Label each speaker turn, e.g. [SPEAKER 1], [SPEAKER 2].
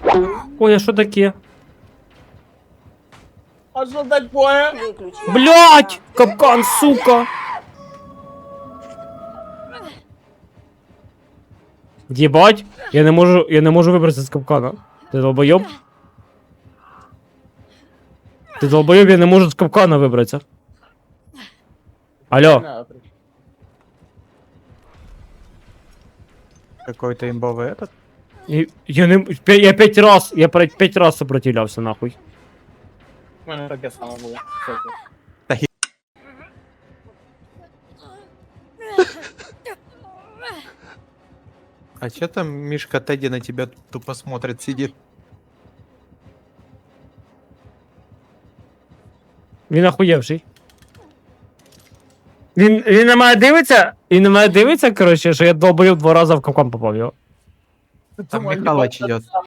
[SPEAKER 1] Ой, а що таке?
[SPEAKER 2] А що таке?
[SPEAKER 3] Выключи.
[SPEAKER 1] Блять! Капкан, сука! Єбать! Я не можу вибратися з капкана. Ти долбойоб? Ти долбойоб, я не можу з капкана вибратися. Алло.
[SPEAKER 2] Какой-то имбовый этот.
[SPEAKER 1] Я 5 раз сопротивлявся, нахуй.
[SPEAKER 4] У мене таке саме було.
[SPEAKER 2] А чё там Мишка Тедди на тебя тупо смотрит, сидит?
[SPEAKER 1] Він охуєвший. Він на мене дивиться, коротше, що я долбойоб 2 рази в капкан попав його.
[SPEAKER 2] Там Михалыч идет.